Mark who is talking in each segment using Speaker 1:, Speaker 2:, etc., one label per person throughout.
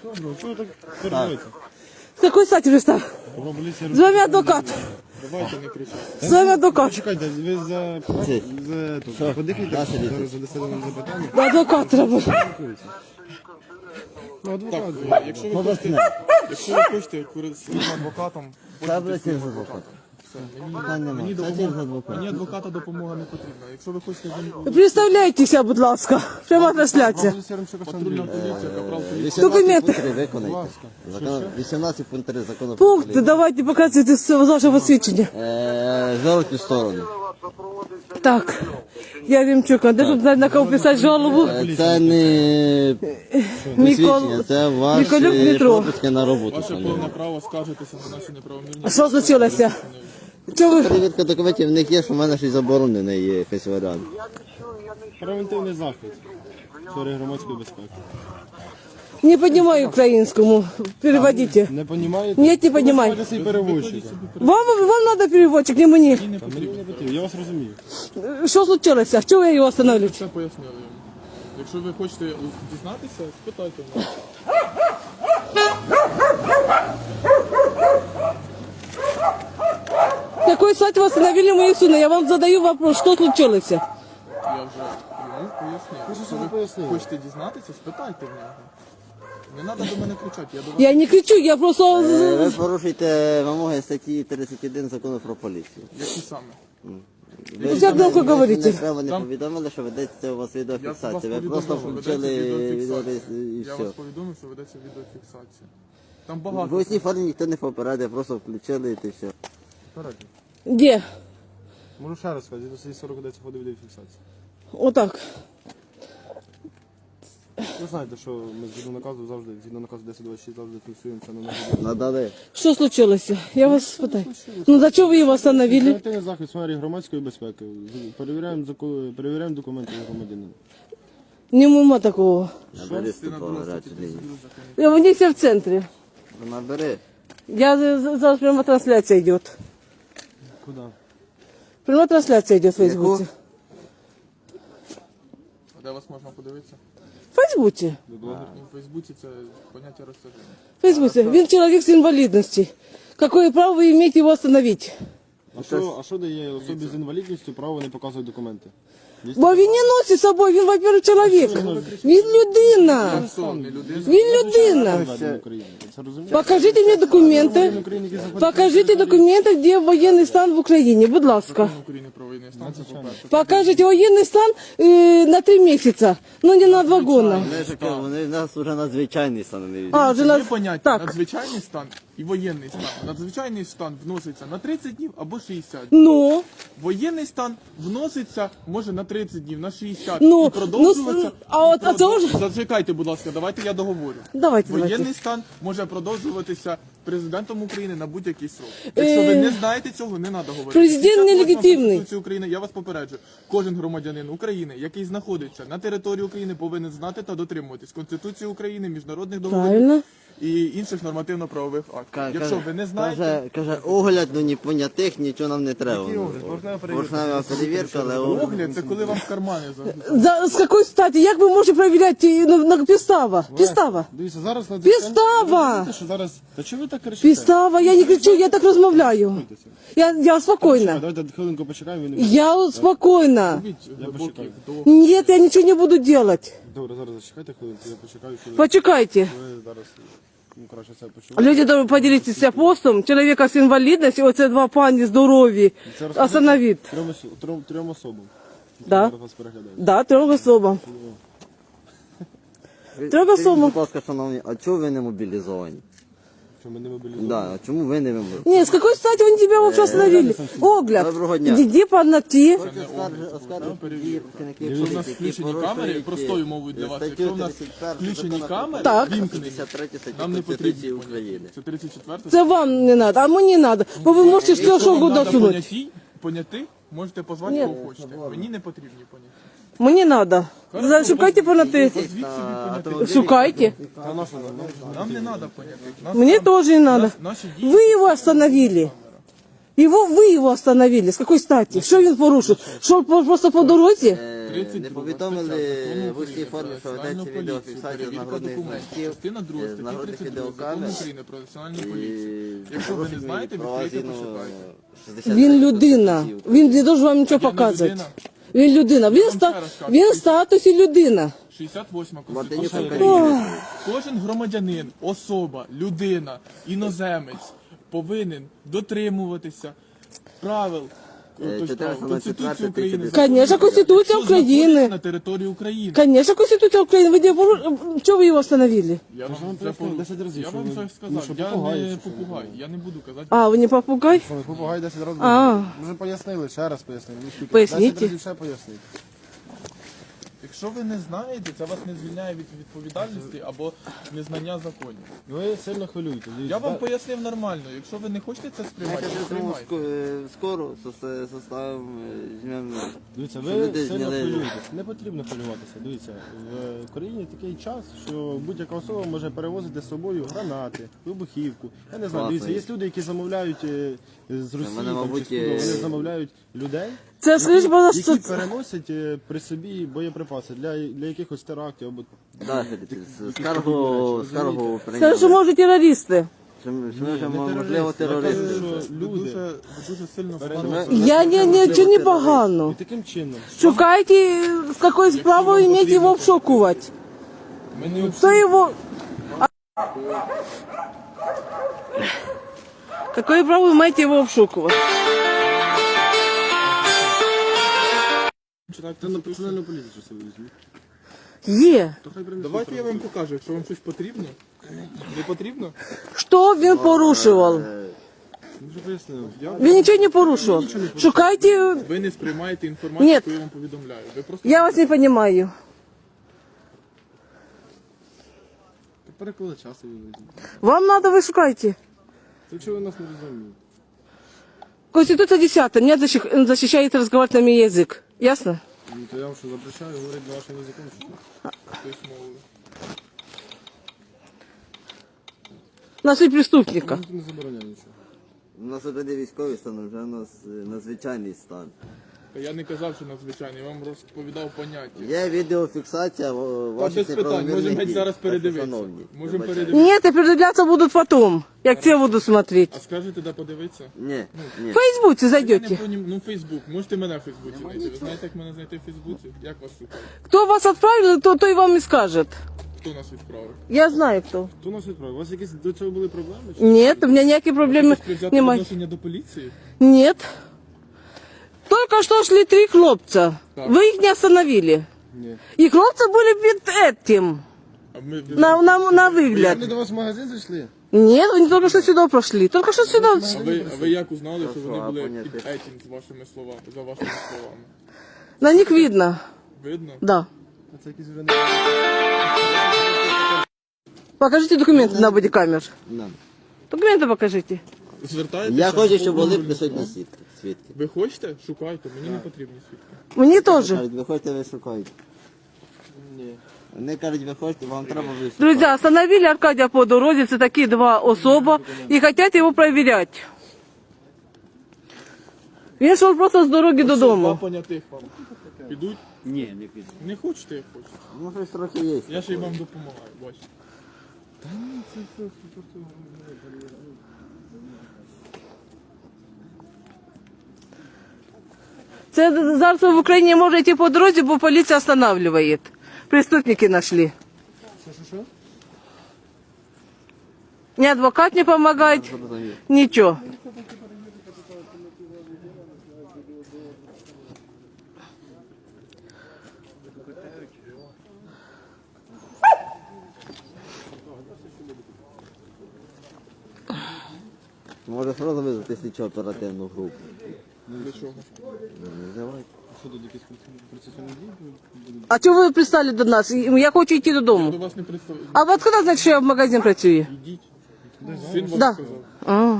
Speaker 1: Чого ви так перебуваєте?
Speaker 2: С какой стати пристав? С вами адвокат.
Speaker 1: Давайте не кричати.
Speaker 2: С вами адвокат.
Speaker 1: Чекайте, ви за подихайте, зараз задасте нам запитання.
Speaker 2: Адвокат работает.
Speaker 1: Ну, адвокат, якщо ви хочете з своїм адвокатом, пользуйтесь своїм адвокатом. Мені адвоката допомога не потрібна. Якщо ви хочете з ним...
Speaker 2: Представляйтеся, будь ласка. Пряма трансляція.
Speaker 1: Патрульна поліція, капрал поліції.
Speaker 2: Документы.
Speaker 3: Виконайте. 18 пункт 3 закону про
Speaker 2: Пункти,
Speaker 3: поліцію.
Speaker 2: давайте показуйте з вашого свідчення.
Speaker 3: Жовті сторони.
Speaker 2: Так, я Ремчук, а де тут знати, на кого писати жалобу?
Speaker 3: Це не посвідчення, це
Speaker 2: Миколюк
Speaker 3: ваші
Speaker 2: Дмитро.
Speaker 3: пропуски на роботу.
Speaker 1: Ваше повне право скаржитися на наші неправомірні...
Speaker 2: Що случилося? Чого ви?
Speaker 3: Перевірка документів в них є, що в мене щось заборонене є, якийсь варіант.
Speaker 1: Превентивний захід. Сфери громадської безпеки.
Speaker 2: Не понимаю украинскому. Переводите.
Speaker 1: Не розумієте?
Speaker 2: Нет, не понимаю.
Speaker 1: Ви свій переводчик.
Speaker 2: Вам надо переводчик, не мені.
Speaker 1: Мені не потрібно. Я вас розумію.
Speaker 2: Що случилося? Чого ви його остановили?
Speaker 1: Все пояснили йому. Якщо ви хочете дізнатися, спитайте в нас.
Speaker 2: Какой сайт вы остановили мою сына? Я вам задаю вопрос, что случилось?
Speaker 1: Я вже йому пояснив. Якщо ви хочете дізнатися, спитайте в нього. Не треба до мене кричати, я до вас...
Speaker 2: Я не кричу, я просто...
Speaker 3: Ви порушуєте вимоги статті 31 закону про поліцію.
Speaker 1: Які саме?
Speaker 3: Ви
Speaker 2: Як громко говорите?
Speaker 3: не повідомили, що ведеться у вас
Speaker 1: Я вас
Speaker 3: відеофіксація. Ви
Speaker 1: повідомив,
Speaker 3: просто
Speaker 1: що
Speaker 3: включили
Speaker 1: ведеться
Speaker 3: відео
Speaker 1: відеофіксація.
Speaker 3: і
Speaker 1: Я
Speaker 3: все.
Speaker 1: вас повідомив, що ведеться відеофіксація. Там
Speaker 3: В
Speaker 1: багато.
Speaker 3: усній формі ніхто не попередив, просто включили і все.
Speaker 2: Где?
Speaker 1: Можу ще раз сказати, до 40 ведеться відеофіксація.
Speaker 2: Вот так.
Speaker 1: Ви знаєте, що ми згідно наказу 1026 завжди фіксуємося на нашій.
Speaker 3: Надали.
Speaker 2: Что случилось? Я вас спитаю. Ну, за что вы его остановили?
Speaker 1: Превентивний захід в сфері громадської безпеки. Перевіряємо документи громадянина.
Speaker 2: Нема такого.
Speaker 3: Набери 102 гарячу лінію.
Speaker 2: У них все в центре.
Speaker 3: Набери.
Speaker 2: Зараз прямо трансляция идет.
Speaker 1: Куди?
Speaker 2: Прямо трансляция идет в Фейсбуке.
Speaker 1: А де вас можна подивитися?
Speaker 2: В Фейсбуке.
Speaker 1: В Фейсбуці це поняття розтяження.
Speaker 2: В Фейсбуке. Він человек с инвалидностью. Какое право вы имеете его остановить?
Speaker 1: А що дає особі з інвалідністю право не показувати документи?
Speaker 2: Бо він не носить з собою, він, во-первых, чоловік. Він людина. Він людина.
Speaker 1: Це розумієте?
Speaker 2: Покажите мне документы. Покажите документы, где военный стан в Украине, будь ласка.
Speaker 1: України про воєнний стан, це по-перше.
Speaker 2: Покажите военный стан на 3 месяца, но не на 2 года.
Speaker 3: Вони в нас вже надзвичайний стан.
Speaker 2: А, вже
Speaker 1: Є
Speaker 2: на...
Speaker 1: поняття
Speaker 2: Так,
Speaker 1: надзвичайний стан і воєнний стан. Надзвичайний стан вноситься на 30 днів або 60.
Speaker 2: ну,
Speaker 1: Воєнний стан вноситься може на 30 днів, на 60
Speaker 2: Ну,
Speaker 1: і продовжуватися.
Speaker 2: а це вже...
Speaker 1: Зачекайте, будь ласка, давайте я договорю.
Speaker 2: давайте.
Speaker 1: Воєнний стан може продовжуватися президентом України на будь-який срок. Якщо ви не знаєте цього, не треба говорити.
Speaker 2: Президент
Speaker 1: 58
Speaker 2: нелегітимний.
Speaker 1: Конституції України, я вас попереджую. Кожен громадянин України, який знаходиться на території України, повинен знати та дотримуватись Конституції України, міжнародних договорів
Speaker 2: Правильно.
Speaker 1: і інших нормативно-правових актів. Якщо ви не знаєте,
Speaker 3: Каже, огляд, ну ні понятих, нічого нам не треба. Поршнева перевірка, але
Speaker 1: огляд це коли вам в кармани загрузять.
Speaker 2: З якої статі? Як ви можете перевіряти на підстава? Підстава.
Speaker 1: Дивіться, зараз на
Speaker 2: Підстава!
Speaker 1: що зараз. Та чого ви так кричите?
Speaker 2: Підстава, я не кричу, я так розмовляю. Я спокійна.
Speaker 1: Давайте хвилинку почекаємо.
Speaker 2: Я спокійна.
Speaker 1: Робіть глибокий вдох.
Speaker 2: Нет, я ничего не буду делать.
Speaker 1: Добре, зараз зачекайте хвилинку, я почекаю хвилинку.
Speaker 2: Почекайте.
Speaker 1: Ви зараз, ну, краще це почули.
Speaker 2: Люди должны поделитися постом. Чоловіка з інвалідністю, оце 2 пані здорові. Остановить.
Speaker 1: Трьом особам.
Speaker 2: Да.
Speaker 1: Зараз вас переглядають.
Speaker 2: Да, 3 особам. Треба суму.
Speaker 3: Будь ласка, шановні, а чого ви не мобілізовані?
Speaker 1: Що ми не мобілізуємо?
Speaker 3: Да, а чому ви не мобілізовані?
Speaker 2: Нет, с какой стати они тебя вообще остановили? Огляд.
Speaker 3: Доброго дня.
Speaker 2: Иди по ногти.
Speaker 1: Якщо в нас включені камери, простою мовою для вас, якщо в нас включені камери,
Speaker 2: Так.
Speaker 1: вімкнені,
Speaker 3: 53 статті
Speaker 1: нам не
Speaker 3: Конституції
Speaker 1: потрібні
Speaker 3: України.
Speaker 1: поняття. Це 34
Speaker 2: Це вам не надо, а мені надо. Бо ви можете все, що угодно сунути.
Speaker 1: Понятих, можете позвати
Speaker 2: Ні.
Speaker 1: кого хочете. Мені не потрібні поняття.
Speaker 2: Мені надо. Шукайте по ногти.
Speaker 1: Звідси від понятих.
Speaker 2: Шукайте.
Speaker 1: Нам не треба понятих.
Speaker 2: Мне тоже не надо.
Speaker 1: Наші дії.
Speaker 2: Вы его остановили. Вы его остановили. С какой стати? Що він порушив? Що просто по дорозі?
Speaker 3: Не повідомили в усній формі, що ведеться відеофіксація з нагрудних значків,
Speaker 1: Частина 2
Speaker 3: з
Speaker 1: статті
Speaker 3: нагрудних
Speaker 1: 32 Закону
Speaker 3: відеокамер.
Speaker 1: України про національну поліцію. Якщо ви не знаєте, відкрийте, пошукайте.
Speaker 2: Він людина. Він не должен вам нічого
Speaker 1: Я не
Speaker 2: показувати.
Speaker 1: людина.
Speaker 2: Він людина. Він в статусі людина.
Speaker 1: 68
Speaker 3: Мартинюк
Speaker 1: Конституція
Speaker 3: України.
Speaker 1: України. Кожен громадянин, особа, людина, іноземець повинен дотримуватися правил Конституції України.
Speaker 2: Конечно, Конституція
Speaker 1: Якщо знаходиться
Speaker 2: України.
Speaker 1: на території України.
Speaker 2: Конечно, Конституція України. Ви чого ви його остановили?
Speaker 1: Я вам
Speaker 4: вам
Speaker 1: це
Speaker 4: пояснив 10 разів,
Speaker 1: я
Speaker 4: що
Speaker 1: вам
Speaker 4: ви-
Speaker 1: це
Speaker 4: ну,
Speaker 1: сказав.
Speaker 4: що
Speaker 1: Я
Speaker 4: попугай,
Speaker 1: не
Speaker 4: чи що?
Speaker 1: попугай. Я не буду казати.
Speaker 2: А, ви не попугай?
Speaker 4: Що ви попугай 10 разів?
Speaker 2: А.
Speaker 4: Вже пояснили, ще раз пояснили. Ну, скільки?
Speaker 2: Поясніть.
Speaker 4: 10 разів ще пояснити.
Speaker 1: Якщо ви не знаєте, це вас не звільняє від відповідальності або незнання законів.
Speaker 4: Ви сильно хвилюєте.
Speaker 1: Я вам пояснив нормально. Якщо ви не хочете це сприймати,
Speaker 3: Давайте
Speaker 1: то
Speaker 3: зробимо
Speaker 1: сприймайте.
Speaker 3: скору составимо, візьмемо.
Speaker 4: Дивіться,
Speaker 3: Щоб
Speaker 4: ви
Speaker 3: люди
Speaker 4: сильно
Speaker 3: зняли-
Speaker 4: хвилюєтесь. Не потрібно хвилюватися. Дивіться, в Україні такий час, що будь-яка особа може перевозити з собою гранати, вибухівку. Я не знаю,
Speaker 3: Класно.
Speaker 4: дивіться, є люди, які замовляють з Росії,
Speaker 3: мене,
Speaker 4: там, чи
Speaker 3: мабуть,
Speaker 4: з Кубу, вони замовляють людей,
Speaker 2: Це скажіть, будь ласка,
Speaker 4: які
Speaker 2: це-
Speaker 4: переносять при собі боєприпаси для якихось терактів або
Speaker 3: Так, скаргу
Speaker 2: Скажи, що може терористи.
Speaker 3: Що ми вже,
Speaker 4: не
Speaker 3: можливо,
Speaker 4: терористи. Я кажу,
Speaker 3: терористи.
Speaker 4: що
Speaker 1: Ви
Speaker 4: люди
Speaker 1: дуже сильно
Speaker 2: Я нічого не погано.
Speaker 4: і таким чином.
Speaker 2: Шукайте, з якою справою іметь його обшукувати.
Speaker 1: Ми не
Speaker 2: Хто його... Какое право вы имеете его обшукивать?
Speaker 4: Це на національну поліцію що ви візьміть.
Speaker 2: Є.
Speaker 4: То хай принесуть.
Speaker 1: Давайте я вам покажу, якщо вам щось потрібно. Не потрібно?
Speaker 2: Що він порушував?
Speaker 4: Ми вже пояснили.
Speaker 2: Він нічого не порушував. Шукайте...
Speaker 1: Ви не сприймаєте інформацію,
Speaker 2: Ні.
Speaker 1: яку я вам повідомляю. Ви просто
Speaker 2: Я вас не розумію.
Speaker 4: Переколи часу ви візьміть.
Speaker 2: Вам надо, ви шукайте.
Speaker 4: То чого ви нас не розумієте?
Speaker 2: Конституция 10 меня защищает разговаривать на мой язык. Ясно?
Speaker 4: Ну, то я вам що запрещаю говорити на вашому язиком, чи що?
Speaker 1: письмово.
Speaker 2: Нашли преступника.
Speaker 4: Ніхто не забороняє нічого.
Speaker 3: У нас один військовий стан, вже у нас надзвичайний стан.
Speaker 1: Та я не казав, що надзвичайно, я вам розповідав поняття.
Speaker 3: Є відеофіксація
Speaker 1: Та
Speaker 3: ваших
Speaker 1: без питань,
Speaker 3: неправомірних
Speaker 1: можемо
Speaker 3: дій.
Speaker 1: зараз передивитися.
Speaker 3: Шановні,
Speaker 1: Можемо
Speaker 3: вибачте.
Speaker 1: передивитися.
Speaker 2: Нет, а передивляться будут потом. Я к тебе буду смотреть.
Speaker 1: А скажете, де подивитися?
Speaker 3: Ні, ні.
Speaker 2: В Фейсбуке
Speaker 1: Я не
Speaker 2: зайдете.
Speaker 1: Ну, Фейсбук. Можете мене в Фейсбуці знайти. Ви знаєте, як мене знайти в Фейсбуці? Як вас шукати?
Speaker 2: Кто вас отправил, то и вам и скажет.
Speaker 1: Хто нас відправив?
Speaker 2: Я знаю кто.
Speaker 4: Хто нас відправив? У вас якісь до цього були проблеми? Чи?
Speaker 2: Нет, у меня никаких проблем
Speaker 1: Хтось взяти
Speaker 2: немає.
Speaker 1: відношення до поліції?
Speaker 2: Нет. Только что шли 3 хлопца.
Speaker 1: Так.
Speaker 2: Вы их не остановили.
Speaker 4: Ні.
Speaker 2: И хлопцы были перед этим.
Speaker 1: А ми
Speaker 2: На
Speaker 4: Вони
Speaker 2: выгляд.
Speaker 4: до вас в магазин зайшли?
Speaker 2: Нет, они только что сюда прошли. Только что сюда.
Speaker 1: А ви як узнали, що вони
Speaker 3: а,
Speaker 1: були
Speaker 3: понятно.
Speaker 1: під етім з вашими словами, за вашими словами?
Speaker 2: На них видно.
Speaker 1: Видно?
Speaker 2: Да.
Speaker 4: А це якісь вже не...
Speaker 2: Покажите документы на бодикамер.
Speaker 3: На.
Speaker 2: Документы покажите.
Speaker 1: Звертаєтеся?
Speaker 3: Я хочу, щоб
Speaker 1: до
Speaker 3: були
Speaker 1: органів
Speaker 3: присутні
Speaker 1: права.
Speaker 3: свідки.
Speaker 1: Ви хочете? Шукайте, мені не потрібні свідки.
Speaker 2: Мне тоже.
Speaker 3: Кажуть, ви хочете, ви шукаєте.
Speaker 4: Ні.
Speaker 3: Вони кажуть, ви хочете, вам треба ви шукаєте.
Speaker 2: Друзья, остановили Аркадия по дороге, это такие 2 особа, и хотят его проверять. Він шел просто з дороги
Speaker 1: Два
Speaker 2: додому.
Speaker 1: понятих вам. Підуть?
Speaker 3: Ні, не піду.
Speaker 1: Не хочете, як хочете.
Speaker 3: Ну, щось трохи є.
Speaker 1: Я ще й вам допомагаю, бачите.
Speaker 2: Це зараз в Україні може йти по дорозі, бо поліція останавливає. Преступники знайшли.
Speaker 4: Що?
Speaker 2: Ні адвокат не допомагає, нічого.
Speaker 3: Може одразу визвати слідчо оперативну групу.
Speaker 1: Для чого?
Speaker 3: Ну, давайте.
Speaker 4: Що тут якісь процесуальні дії будуть?
Speaker 2: А чого ви пристали до нас? Я хочу йти
Speaker 1: Я
Speaker 2: додому.
Speaker 1: до вас не представляю.
Speaker 2: А ви откуда знаєте, що я в магазин працюю?
Speaker 1: Ідіть. Син вам
Speaker 2: Да.
Speaker 1: сказав.
Speaker 2: А.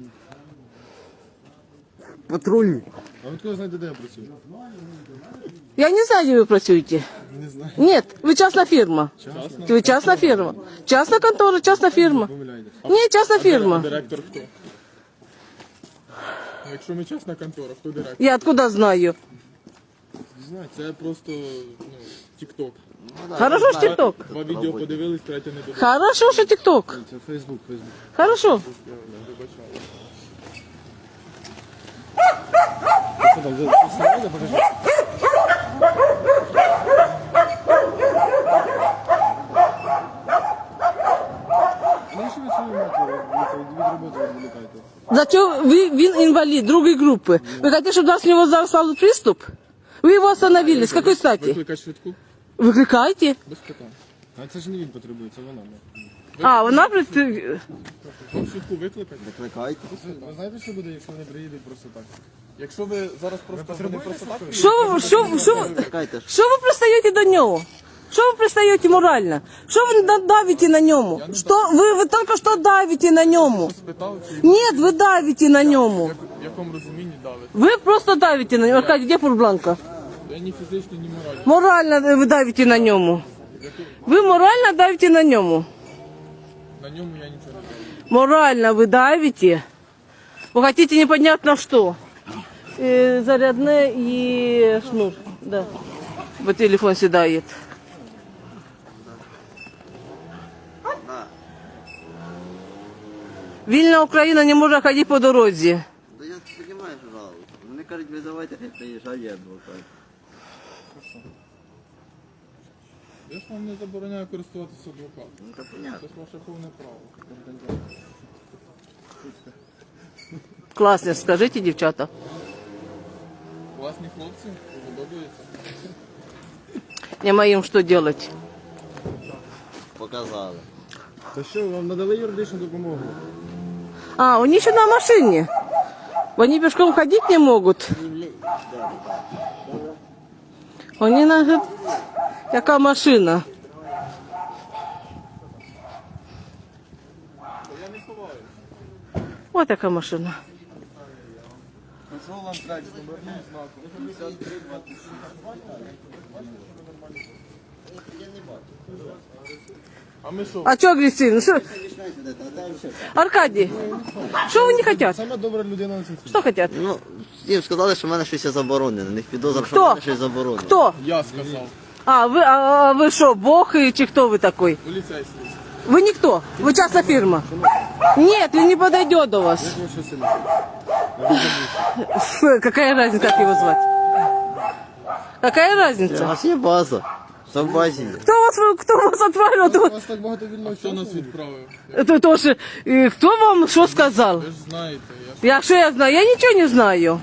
Speaker 3: Патрульні.
Speaker 4: А ви хто знаєте, де я працюю?
Speaker 2: Я не знаю, де ви працюєте.
Speaker 4: Не знаю.
Speaker 2: Нет, вы частная фирма. Вы частная фирма. Частная контора, частная фирма.
Speaker 4: Помиляєтесь.
Speaker 2: Ні, частна
Speaker 1: А
Speaker 2: фірма.
Speaker 1: директор хто? Ну, якщо ми чесна контора, хто директор?
Speaker 2: Я откуда знаю?
Speaker 1: Це просто, тік-ток.
Speaker 2: Хорошо ж ТикТок.
Speaker 1: Два відео подивились, третє не додивились.
Speaker 2: Хорошо, що ТикТок.
Speaker 4: Це Фейсбук.
Speaker 2: Хорошо.
Speaker 1: Вибачаю.
Speaker 4: Що там, встановили, покажи. Ну, що ви свою матір від роботи відволікаєте?
Speaker 2: Зачем він інвалід другої групи? Ви хочете, щоб у нього зараз став приступ? Ви його остановили. З якої статі?
Speaker 1: Викликати швидку?
Speaker 2: Викликайте.
Speaker 1: Без питань.
Speaker 4: А це ж не він потребує, це вона.
Speaker 2: А, вона
Speaker 1: Вам швидку викликати?
Speaker 3: Викликайте.
Speaker 4: Ви знаєте, що буде, якщо вони приїдуть просто так?
Speaker 1: Якщо ви зараз вони просто так...
Speaker 3: Викликайте.
Speaker 2: Що ви пристаєте до нього? Що ви пристаєте морально? Що ви давите на ньому? Що ви тільки що давите на ньому?
Speaker 1: Спитав, чи
Speaker 2: Ні, ви давите на ньому.
Speaker 1: в якому розумінні давить.
Speaker 2: Ви просто давите на ньому. Аркадій, де Пурбланка?
Speaker 1: Я ні фізично, ні морально.
Speaker 2: Морально ви давите на ньому. Ви морально давите на ньому.
Speaker 1: На ньому я нічого не знаю.
Speaker 2: Морально вы давите. Вы хотите непонятно что. Зарядное и шнур. Да. Вот телефон седает. Вільна Україна не може ходити по дорозі.
Speaker 3: Да я понимаю, що жалко. Вони кажуть, визивайте, приїжджає адвокат.
Speaker 1: Я ж вам не забороняю користуватися адвокатом.
Speaker 3: Ну, це понятно.
Speaker 1: Це ж ваше повне право.
Speaker 2: Класно, скажите, дівчата.
Speaker 1: Класні хлопці, подобається.
Speaker 2: Нема їм що делать.
Speaker 3: Показали.
Speaker 4: Та що, вам надали юридичну допомогу?
Speaker 2: А, они еще на машине. Они пешком ходить не могут. Они на... Яка машина?
Speaker 1: Я не ховаю.
Speaker 2: Вот така машина.
Speaker 1: Пішов ланкач, номерним знаком. А ми що?
Speaker 2: А что агрессивно? Что? Аркадий, что вы не хотят?
Speaker 4: Сама добра людина на світі.
Speaker 2: Что хотят?
Speaker 3: Ну, їм сказали, що в мене щось є заборонене. У них підозра, що
Speaker 2: Хто?
Speaker 3: в мене щось заборонене.
Speaker 2: Кто?
Speaker 1: Я сказав.
Speaker 2: А вы что, бог и чи кто вы такой?
Speaker 1: Поліцейський.
Speaker 2: Вы никто, вы частная фирма. Нет, он не подойдет до вас.
Speaker 4: Як ви що сильно?
Speaker 2: Фу, какая разница, как его звать? Какая
Speaker 3: У
Speaker 2: разница?
Speaker 3: вас є база. Що в базі є?
Speaker 2: Кто вас отправил?
Speaker 4: У вас так багато вільного
Speaker 1: Хто нас
Speaker 4: часу.
Speaker 1: відправив?
Speaker 2: Это тоже. Кто вам что сказал?
Speaker 1: Ви ж знаєте, я ж...
Speaker 2: Что я знаю? Я ничего не знаю.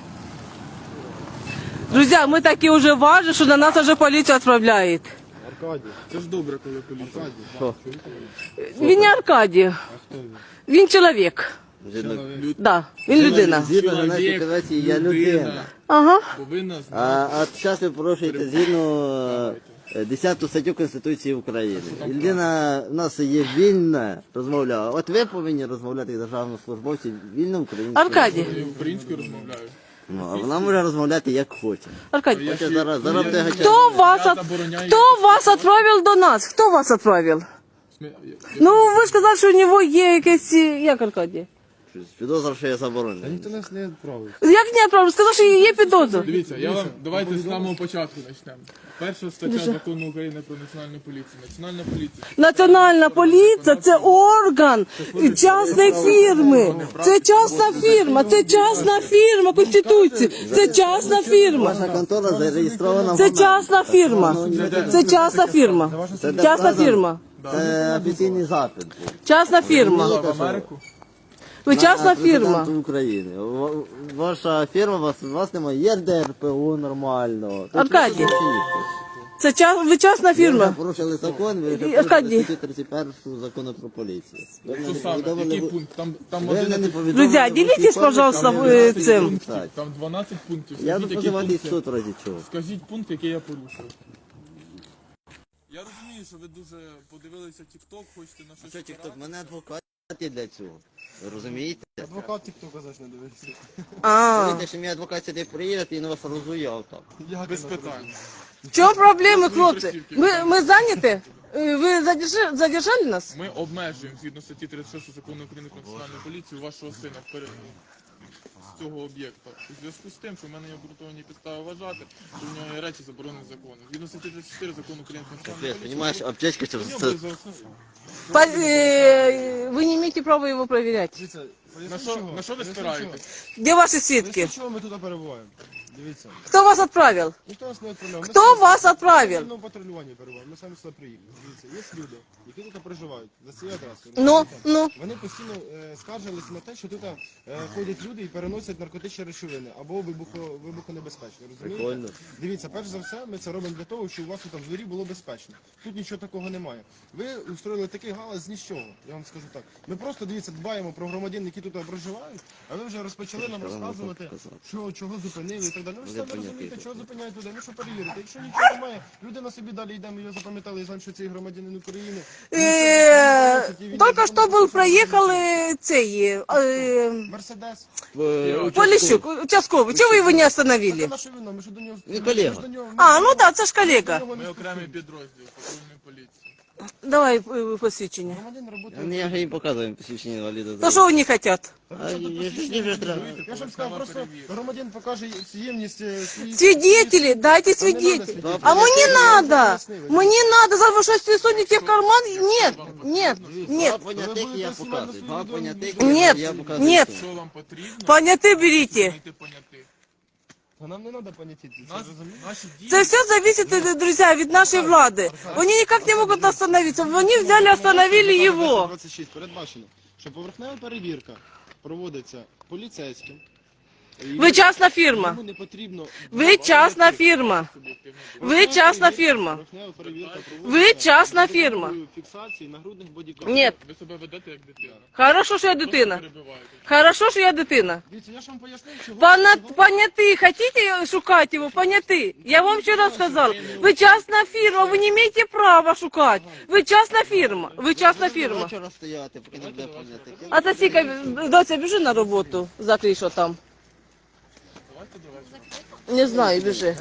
Speaker 2: Друзья, мы такие уже важны, что на нас уже полиция отправляет.
Speaker 4: Аркадій.
Speaker 1: Це ж добре, коли поліція.
Speaker 3: Що?
Speaker 2: Він не Аркадій.
Speaker 4: А хто він?
Speaker 2: Він чоловік.
Speaker 3: Згідно-
Speaker 2: Да, він людина.
Speaker 3: Згідно Геннадії Конвенції, я людина.
Speaker 2: Ага.
Speaker 1: Повинна знати.
Speaker 3: А зараз ви порушуєте згідно 10 статтю Конституції України. І людина в нас є вільна розмовляла. От ви повинні розмовляти як державні службовці вільно українською.
Speaker 2: Аркадій.
Speaker 1: Я українською розмовляю.
Speaker 3: Ну, а вона може розмовляти як хоче.
Speaker 2: Аркадій.
Speaker 3: Хоче зараз буде гачати.
Speaker 2: Хто вас отправив до нас? Хто вас отправив? Ну, ви ж казали, що у нього є якесь... Як Аркадій?
Speaker 3: Підозра, що є
Speaker 4: Та
Speaker 3: заборонена.
Speaker 4: ніхто нас не відправив.
Speaker 2: Як не отправив? Сказав, що є підозра.
Speaker 1: Дивіться, я вам давайте з самого початку почнемо. Перша стаття закону України про національну поліцію. Національна поліція.
Speaker 2: Національна поліція – це орган частної фірми. Це частна фірма, це частна фірма Конституції. Це частна фірма.
Speaker 3: Ваша контора зареєстрована в
Speaker 2: Це
Speaker 3: Америці.
Speaker 2: частна фірма. Це частна фірма. Частна фірма.
Speaker 3: Це офіційний запит. був.
Speaker 2: Частна фірма.
Speaker 1: В Америку.
Speaker 2: Ви частна
Speaker 3: На
Speaker 2: фірма.
Speaker 3: президента України. Ваша фірма, у вас немає ЄРДРПУ нормального. Тут
Speaker 2: Аркадій.
Speaker 3: нічого не пишете.
Speaker 2: Ви частна
Speaker 3: Ви вже
Speaker 2: фірма.
Speaker 3: порушили закон, ви вже
Speaker 2: Аркадій.
Speaker 3: порушили статтю 31 закону про поліцію. Ви мене
Speaker 1: Що
Speaker 3: не
Speaker 1: саме?
Speaker 3: повідомили,
Speaker 1: Який
Speaker 3: ви-
Speaker 1: пункт? Там
Speaker 3: ви мене не
Speaker 1: 11
Speaker 3: повідомили,
Speaker 2: Друзі,
Speaker 3: ви
Speaker 2: ділітесь,
Speaker 3: всі
Speaker 2: пожалуйста,
Speaker 3: пам'ятаєте,
Speaker 2: ви
Speaker 3: я
Speaker 2: цим.
Speaker 3: не знаю.
Speaker 1: там 12 пунктів.
Speaker 3: Я
Speaker 1: Скажіть, які
Speaker 3: позивати
Speaker 1: пункти?
Speaker 3: суд разі чого.
Speaker 1: Скажіть пункт, який я порушив. Я розумію, що ви дуже подивилися TikTok, хочете на щось.
Speaker 3: Що тікток, мене адвокат є для цього. Ви розумієте?
Speaker 4: Адвокат тіктока зараз не дивився.
Speaker 2: А,
Speaker 3: Знаєте, що мій адвокат сюди приїде і на вас розує так.
Speaker 1: Без питань.
Speaker 2: в чому проблеми, хлопці? Ми зайняті? Ви задержали нас?
Speaker 1: Ми обмежуємо згідно статті 36 закону України про національну поліцію вашого сина вперед. з цього об'єкта. У зв'язку з тим, що в мене є обґрунтовані підстави вважати, що в нього є речі заборонені законом. Згідно статті 34 закону України про національну поліцію,
Speaker 3: Понимаешь, аптечка
Speaker 1: у нього
Speaker 3: сейчас...
Speaker 1: буде за основу.
Speaker 2: Вы не имеете права его проверять.
Speaker 4: Дивіться,
Speaker 1: На що ви спираєтесь?
Speaker 2: Где ваши свідки?
Speaker 4: Для чого ми тут перебуваємо? Дивіться.
Speaker 2: Кто вас отправил?
Speaker 4: Ніхто нас не відправляв. Ми
Speaker 2: Хто
Speaker 4: самі
Speaker 2: вас
Speaker 4: на
Speaker 2: отправив?
Speaker 4: цивільному патрулюванні перебуваємо. Ми самі сюди приїхали. Дивіться, є люди, які тут проживають за цією адресою.
Speaker 2: Ну.
Speaker 4: Вони постійно скаржилися на те, що тут ходять люди і переносять наркотичні речовини або вибухонебезпечні. Розумієте?
Speaker 3: Прикольно.
Speaker 4: Дивіться, перш за все, ми це робимо для того, щоб у вас тут в дворі було безпечно. Тут нічого такого немає. Ви устроїли такий галас з нічого, я вам скажу так. Ми просто, дивіться, дбаємо про громадян, які тут проживають, а ви вже розпочали нам розказувати, що, чого зупинили і так далі. Ви ж самі розумієте, чого зупиняють людей, ну що перевірити. Якщо нічого немає, людина собі далі йде, ми його запам'ятали і знаємо, що цей громадянин України.
Speaker 2: Только что был, проехал
Speaker 4: Мерседес.
Speaker 2: Полищук, участковый. Чего вы его не
Speaker 4: Це
Speaker 2: остановили?
Speaker 4: наше вино, ми ж до нього...
Speaker 3: Він колега.
Speaker 4: ми ж до нього-
Speaker 2: А, ну да, це ж колега.
Speaker 1: Ми окремий підрозділ патрульної поліції.
Speaker 2: Давай посвідчення.
Speaker 4: Громадян роботи...
Speaker 3: Я же им показываю посвящение инвалида.
Speaker 2: То що вони хотят?
Speaker 3: А я же не же треба.
Speaker 4: Я ж вам сказав, просто громадян покаже ємність своїх...
Speaker 2: Свидетели, дайте свидетелей. А мне надо. Мне надо. Завтра что сунете в карман? Нет.
Speaker 3: Два понятых я показываю. Два понятых
Speaker 2: Нет,
Speaker 3: я показываю.
Speaker 2: нет.
Speaker 1: Що вам потрібно?
Speaker 2: Понятые берите.
Speaker 1: Знайти понятих.
Speaker 4: А нам не треба поняття, це
Speaker 1: Нас,
Speaker 4: розумієте?
Speaker 1: наші дії...
Speaker 2: Это все зависит, друзья, от нашей влады. Они никак не могут остановиться. Они взяли, остановили его.
Speaker 4: 26 передбачено, що поверхнева перевірка проводиться поліцейським.
Speaker 2: Ви частна фірма.
Speaker 4: Йому не потрібно...
Speaker 2: Ви частна фірма. Ви частна фірма.
Speaker 4: Поверхнева перевірка
Speaker 2: Ви
Speaker 4: проводиться
Speaker 2: частна фірма.
Speaker 4: фіксації нагрудних бодікамер.
Speaker 2: Нет.
Speaker 1: Ви себе ведете як дитина.
Speaker 2: Хорошо, що я дитина.
Speaker 1: Перебиваєте.
Speaker 2: Хорошо, що я дитина.
Speaker 4: Дивіться, я ж вам пояснив, що...
Speaker 2: Понятые, хотите шукать его? Понятые. Я вам вчера раз сказала. Вы частная фирма, вы не имеете права шукать. Вы частная фирма. Вы частная фирма.
Speaker 3: Хочу розстояти, поки не буде понятих.
Speaker 2: А Тасіка, доця, біжи на роботу. Закрий, що там. Не знаю, біжи.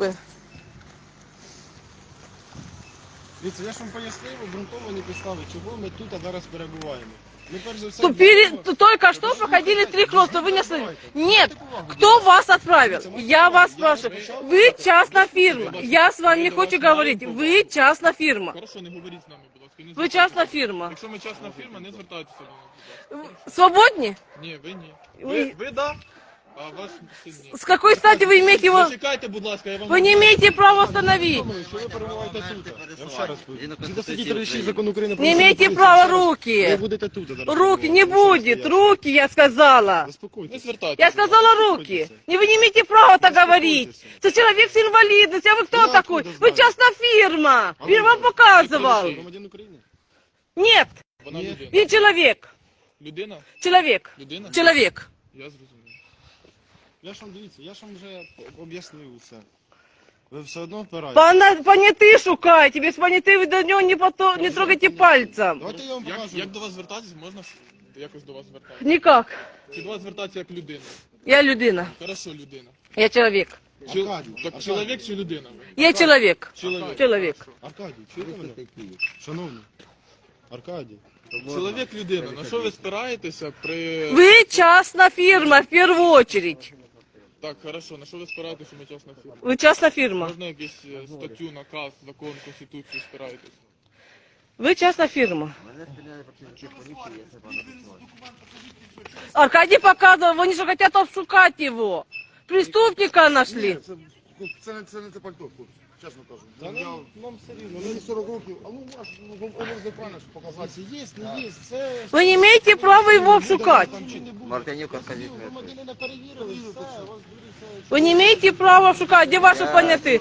Speaker 4: Дивіться, я ж вам пояснив обґрунтовані підстави, чого ми тут зараз перебуваємо. Ми перш за все...
Speaker 2: Только что проходили 3 хлопца, вы не остановились. Нет, кто вас отправил? Я вас спрашиваю. Вы частная фирма. Я с вами не хочу говорить. Вы частная фирма.
Speaker 1: Хорошо, не говоріть з нами, будь ласка. не
Speaker 2: Вы
Speaker 1: звертайтеся.
Speaker 2: частная фирма.
Speaker 1: Якщо ми частна фірма, не звертайтеся до нас.
Speaker 2: Свободні?
Speaker 1: Ні, ви ні.
Speaker 2: Ви-
Speaker 1: Ви да, а ваш син ні.
Speaker 2: С какой стати вы имеете его...
Speaker 1: Зачекайте, будь ласка, я вам...
Speaker 2: Вы не имеете права остановить.
Speaker 4: Що ви перебуваєте тут? Я вам ще раз повідомляю. Згідно статті 36 закону України про
Speaker 2: Не
Speaker 4: національну
Speaker 2: имеете
Speaker 4: поліцію,
Speaker 2: права
Speaker 4: ще раз, Ви
Speaker 2: руки.
Speaker 4: будете тут зараз.
Speaker 2: Руки не
Speaker 4: перебувати.
Speaker 2: будет.
Speaker 4: Ще раз поясню.
Speaker 2: Руки, я сказала.
Speaker 1: Не
Speaker 4: Заспокойтесь.
Speaker 1: звертайтеся.
Speaker 2: Я сказала руки. Не, вы не имеете права так говорить. Это человек с инвалидностью. А вы кто
Speaker 4: Я
Speaker 2: такой?
Speaker 4: откуда
Speaker 2: Вы
Speaker 4: знаю?
Speaker 2: частная фирма.
Speaker 4: А
Speaker 2: Я
Speaker 4: вы
Speaker 2: вам
Speaker 4: кто?
Speaker 2: показывал.
Speaker 4: Громадян України?
Speaker 2: Нет,
Speaker 1: Вона
Speaker 4: Ні.
Speaker 1: людина.
Speaker 2: он человек.
Speaker 1: Людина?
Speaker 2: Человек.
Speaker 1: Людина?
Speaker 2: Человек.
Speaker 1: Я зрозумів.
Speaker 4: Я ж вам дивіться, я ж вам вже об'яснив усе. Ви все одно впираєте.
Speaker 2: Понятые шукайте. Без понятых вы до него не трогайте пальцем.
Speaker 4: Давайте я вам покажу.
Speaker 1: Як до вас звертатись, можна якось до вас звертатися?
Speaker 2: Никак.
Speaker 1: Чи до вас звертатися як людина?
Speaker 2: Я людина.
Speaker 1: Хорошо, людина.
Speaker 2: Я человек.
Speaker 4: Аркадій,
Speaker 1: Так чоловік чи людина?
Speaker 2: Я человек.
Speaker 1: Чоловік.
Speaker 2: Человек.
Speaker 4: Аркадій, чуєте мене? Шановні. Аркадій.
Speaker 1: Чоловік, людина. На що ви спираєтеся при...
Speaker 2: Вы частная фирма в первую очередь.
Speaker 1: Так, хорошо. На що ви спираєтеся, що ми частна фірма?
Speaker 2: Вы частная фирма.
Speaker 1: Можна якусь статтю, наказ, закон, конституцію спираєтесь?
Speaker 2: Вы частная фирма. Аркадий показывал, они же хотят обшукать его. Преступника нашли.
Speaker 5: Це не те пальто, хлопці, чесно кажу.
Speaker 4: Та нам все рівно.
Speaker 5: Мені 40 років, а ну ваш, можна правильно ж показати.
Speaker 4: Є, не є, це...
Speaker 2: Вы не имеете права его обшукать.
Speaker 4: Там чи не буде.
Speaker 3: Мартинюк, Аркадій.
Speaker 4: Громадянина перевірили, все, вас дивіться.
Speaker 2: Вы не имеете права обшукать. Где ваши понятые?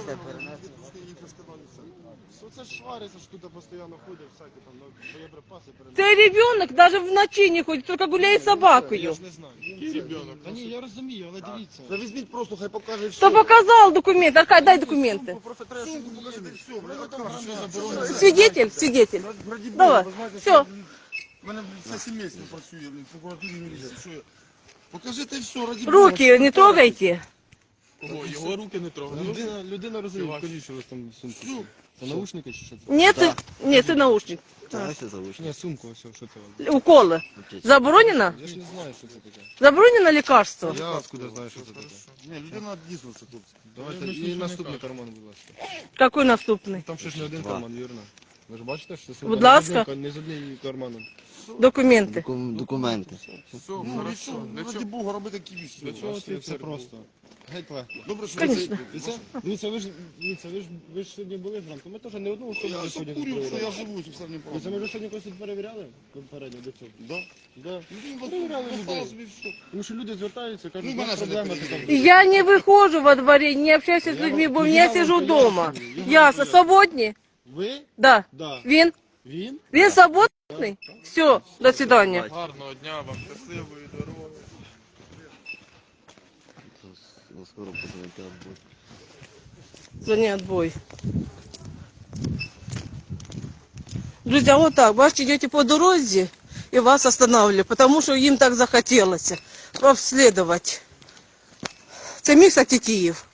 Speaker 4: Це ж свариться, що тут постійно ходять, всякі там боєприпаси передають.
Speaker 2: Цей ребенок даже в ночи не ходит, только гуляет с
Speaker 4: Я
Speaker 2: собакою.
Speaker 4: ж не знаю.
Speaker 1: Який ребенок?
Speaker 4: Та ні, я розумію, але дивіться.
Speaker 5: Та візьміть просто, хай покаже все.
Speaker 2: Кто показал документы? Аркадий, дай документы.
Speaker 5: Просто треба, щоб ви покажете все, блядь.
Speaker 2: Свидетель, свидетель.
Speaker 5: Раді Бога,
Speaker 2: Давай,
Speaker 5: ви знаєте,
Speaker 2: все.
Speaker 5: що в мене все сімейство працює, в прокуратурі міліції, що я. Покажите все, раді Бога.
Speaker 2: Руки не трогайте.
Speaker 1: Кого? Його руки не трогають.
Speaker 4: Людина розуміє, кажіть, що ви там сумку. Це наушники чи що це?
Speaker 2: Нет, нет, це наушник.
Speaker 3: Давай все заучно.
Speaker 4: Ні, сумку, ось, що це?
Speaker 2: Уколи. Заборонено?
Speaker 4: Я ж не знаю, що це таке.
Speaker 2: Заборонено лекарство?
Speaker 4: Я откуда знаю, що це таке?
Speaker 5: Ні, людина дійсно це хлопці.
Speaker 4: Давайте, і наступний карман, будь ласка.
Speaker 2: Какой наступний?
Speaker 4: Там ще ж не один
Speaker 3: Два.
Speaker 4: карман, вірно? Ви ж бачите, що це
Speaker 2: Будь ласка.
Speaker 4: не з однією карманом.
Speaker 2: Документи.
Speaker 3: Документи.
Speaker 1: Все,
Speaker 5: Ну,
Speaker 1: хорошо.
Speaker 5: і що?
Speaker 1: Для
Speaker 5: Раді
Speaker 1: чого?
Speaker 5: Бога, робити такі віщі.
Speaker 4: Для чого це просто? Геть легко.
Speaker 5: Добре, що
Speaker 2: Конечно.
Speaker 4: Дивіться, ви ж сьогодні були зранку. Ми теж не одну особу
Speaker 5: Я
Speaker 4: сьогодні
Speaker 5: курю, що я
Speaker 4: перевіряли.
Speaker 5: живу, і все не
Speaker 4: Дивіться, ми вже сьогодні когось тут перевіряли попередньо до цього.
Speaker 5: Да?
Speaker 4: Да.
Speaker 5: Ну,
Speaker 4: Перевіряли людей.
Speaker 5: собі все.
Speaker 4: Тому що люди звертаються, кажуть,
Speaker 5: Ну,
Speaker 4: у
Speaker 5: мене
Speaker 4: нас
Speaker 5: ж не
Speaker 4: проблема
Speaker 5: перевіряли.
Speaker 4: така.
Speaker 2: Я не выхожу во дворе, не общаюсь с людьми, бо я сижу дома. Ясно, свободні?
Speaker 4: Ви?
Speaker 2: Да.
Speaker 4: Да.
Speaker 2: Він?
Speaker 4: Він?
Speaker 2: Він свободний? Все, до свидания.
Speaker 1: Гарного дня вам, щасливої дороги.
Speaker 3: Скоро позвоните отбой.
Speaker 2: Звони отбой. Друзья, вот так, бачите, идете по дороге и вас останавливали, потому что им так захотелось обследовать. Це місто Київ.